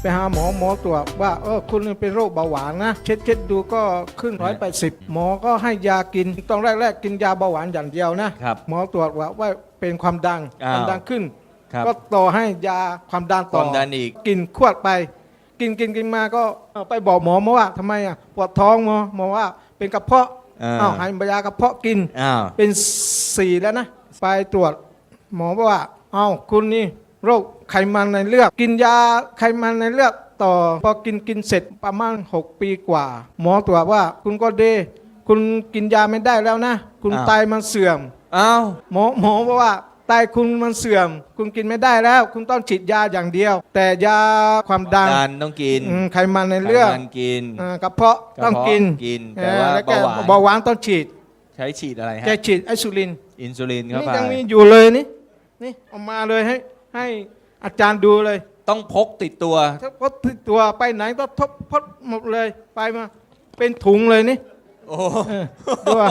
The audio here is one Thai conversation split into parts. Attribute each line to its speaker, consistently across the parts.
Speaker 1: ไปหาหมอหมอตรวจว่าคุณเป็นโรคเบาหวานนะเช็ดดูก็ขึ้น180หมอก็ให้ยากินต้องแรกกินยาเบาหวานอย่างเดียวนะครับหมอตรวจว่าเป็นความดันขึ้นก็ต่อให้ยาความดันต่ออีกกินขวดไปกินมาก็ไปบอกหมอว่าทำไมปวดท้องหมอว่าเป็นกระเพาะให้ยากระเพาะกินเป็น4แล้วนะไปตรวจหมอบอกว่าคุณนี่โรคไขมันในเลือดกินยาไขมันในเลือดต่อพอกินเสร็จประมาณ6 ปีกว่าหมอตรวจว่าคุณก็ดีคุณกินยาไม่ได้แล้วนะคุณไตมันเสื่อมหมอบอกว่าไตคุณมันเสื่อมคุณกินไม่ได้แล้วคุณต้องฉีดยาอย่างเดียวแต่ยาความดัน
Speaker 2: ต้องกิน
Speaker 1: ไขมันในเลือดกระเพาะต้องกิน
Speaker 2: แต่ว่า
Speaker 1: เบาหวานต้องฉีด
Speaker 2: ใช้ฉีดอะไรฮะ
Speaker 1: ใช้ฉีดอินซูลิน
Speaker 2: เข้าไป
Speaker 1: นี่ยังมีอยู่เลยนี่เอามาเลยให้อาจารย์ดูเลย
Speaker 2: ต้องพกติดตัว
Speaker 1: พกติดตัวไปไหนก็พกหมดเลยไปมาเป็นถุงเลยนี่
Speaker 2: โอ้
Speaker 1: ตัว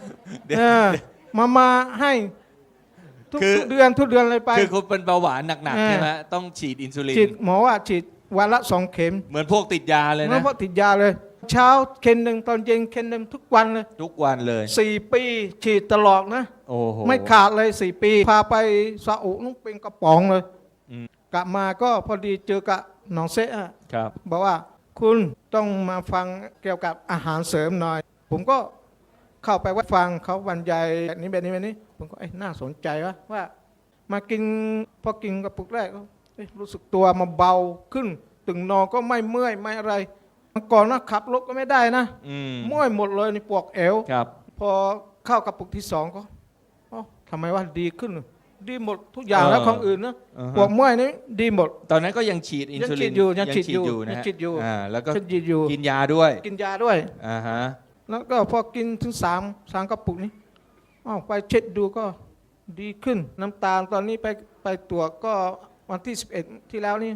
Speaker 1: มาให้ทุกเดือนเลยไป
Speaker 2: คือคุณเป็นเบาหวานหนักๆใช่ไหมต้องฉีดอินซูลิน
Speaker 1: หมอว่าฉีดวันละ2 เข็ม
Speaker 2: เหมือนพวกติดยาเลยนะ
Speaker 1: เหมือนพวกติดยาเลยเช้าเข็มหนึ่งตอนเย็นเข็มหนึ่งทุกวันเลย4 ปีฉีดตลอดนะไม่ขาดเลย4 ปีพาไปซาอุนุ่งเป็นกระป๋องเลยกลับมาก็พอดีเจอกับน้องเซะบอกว่าคุณต้องมาฟังเกี่ยวกับอาหารเสริมหน่อยผมก็เข้าไปว่าฟังเขาบรรยายแบบนี้ผมก็น่าสนใจว่ามากินพอกินกระปุกแรกรู้สึกตัวมาเบาขึ้นตึงนอนก็ไม่เมื่อยไม่อะไรก่อนขับรถก็ไม่ได้นะเมื่อยหมดเลยในปวดเอวพอเข้ากระปุกที่2ก็ทำไมว่าดีขึ้นดีหมดทุกอย่างแล้วของอื่นนะปวดเมื่อยนี่ดีหมด
Speaker 2: ตอนนั้นก็ยังฉีดอินซูลิน
Speaker 1: ยังฉีดอยู่
Speaker 2: แล้วก็กินยาด้วย
Speaker 1: แล้วก็พอกินถึง3 กระปุกนี้ไปเช็ดดูก็ดีขึ้นน้ำตาลตอนนี้ไปตรวจก็วันที่11ที่แล้วนี่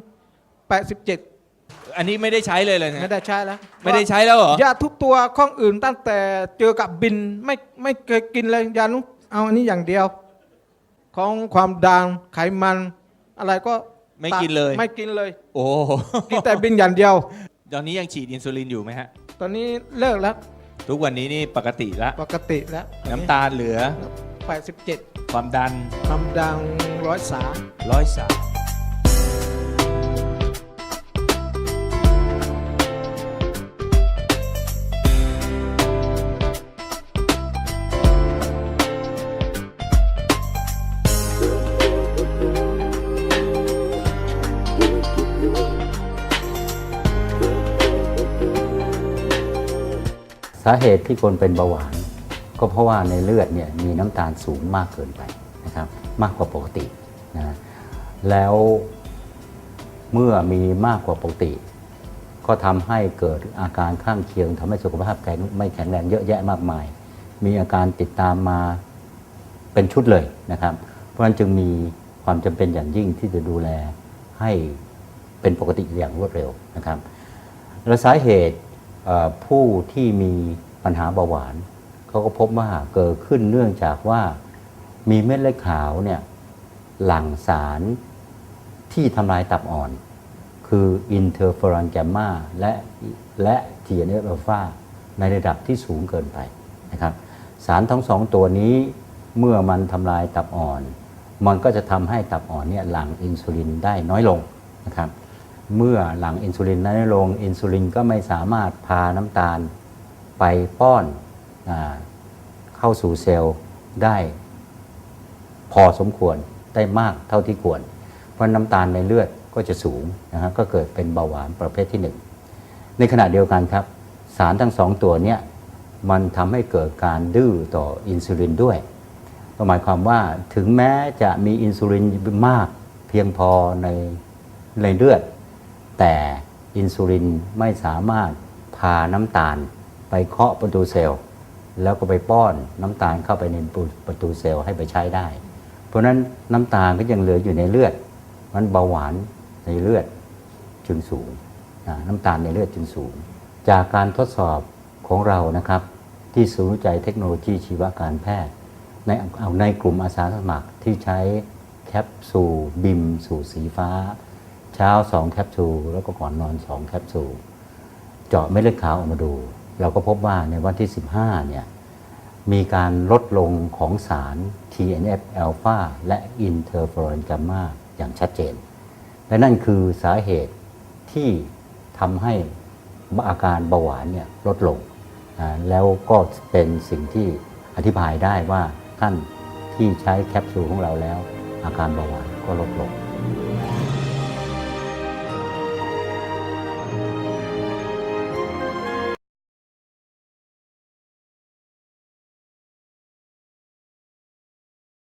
Speaker 1: 87
Speaker 2: อันนี้ไม่ได้ใช้เลยนะ
Speaker 1: ไม่ได้ใช้แล้ว
Speaker 2: ไม่ได้ใช้แล้วเหรอย
Speaker 1: าทุกตัวข้องอื่นตั้งแต่เจอกับบินไม่เคยกินเลยยานุเอาอันนี้อย่างเดียวของความดันไขมันอะไรก็
Speaker 2: ไม่กินเลย
Speaker 1: โอ้กินแต่บินอย่างเดียว
Speaker 2: ตอนนี้ยังฉีดอินซูลินอยู่ไหมฮะ
Speaker 1: ตอนนี้เลิกแล้ว
Speaker 2: ทุกวันนี้นี่ปกติแล้วน้ำตาลเหลือ
Speaker 1: 87
Speaker 2: ความดัน103
Speaker 3: สาเหตุที่คนเป็นเบาหวานก็เพราะว่าในเลือดเนี่ยมีน้ำตาลสูงมากเกินไปนะครับมากกว่าปกตินะแล้วเมื่อมีมากกว่าปกติก็ทำให้เกิดอาการข้างเคียงทำให้สุขภาพไม่แข็งแรงเยอะแยะมากมายมีอาการติดตามมาเป็นชุดเลยนะครับเพราะฉะนั้นจึงมีความจำเป็นอย่างยิ่งที่จะดูแลให้เป็นปกติอย่างรวดเร็วนะครับและสาเหตุผู้ที่มีปัญหาเบาหวานเขาก็พบว่าเกิดขึ้นเนื่องจากว่ามีเม็ดเลือดขาวเนี่ยหลั่งสารที่ทำลายตับอ่อนคืออินเตอร์เฟอรอนแกมมาและ TNF อัลฟาในระดับที่สูงเกินไปนะครับสารทั้ง2 ตัวนี้เมื่อมันทำลายตับอ่อนมันก็จะทำให้ตับอ่อนเนี่ยหลั่งอินซูลินได้น้อยลงนะครับเมื่อหลั่งอินซูลินน้อยลงอินซูลินก็ไม่สามารถพาน้ำตาลไปป้อนเข้าสู่เซลล์ได้พอสมควรได้มากเท่าที่ควรเพราะน้ำตาลในเลือดก็จะสูงนะฮะก็เกิดเป็นเบาหวานประเภทที่1ในขณะเดียวกันครับสารทั้ง2 ตัวเนี้ยมันทำให้เกิดการดื้อต่ออินซูลินด้วยหมายความว่าถึงแม้จะมีอินซูลินมากเพียงพอในเลือดแต่อินซูลินไม่สามารถพาน้ำตาลไปเคาะประตูเซลล์แล้วก็ไปป้อนน้ำตาลเข้าไปในประตูเซลล์ให้ไปใช้ได้เพราะนั้นน้ำตาลก็ยังเหลืออยู่ในเลือดมันเบาหวานในเลือดจึงสูงน้ำตาลในเลือดจึงสูงจากการทดสอบของเรานะครับที่ศูนย์วิจัยเทคโนโลยีชีวการแพทย์ในกลุ่มอาสาสมัครที่ใช้แคปซูลบิมสูตรสีฟ้าเช้า2แคปซูลแล้วก็ก่อนนอน2แคปซูลเจาะเม็ดเลือดขาวออกมาดู เราก็พบว่าในวันที่15เนี่ยมีการลดลงของสาร TNF อ l p h a และอินเทอร์ฟอรอนกัมมาอย่างชัดเจนและนั่นคือสาเหตุที่ทำให้อาการเบาหวานเนี่ยลดลงแล้วก็เป็นสิ่งที่อธิบายได้ว่าท่านที่ใช้แคปซูลของเราแล้วอาการเบาหวานก็ลดลง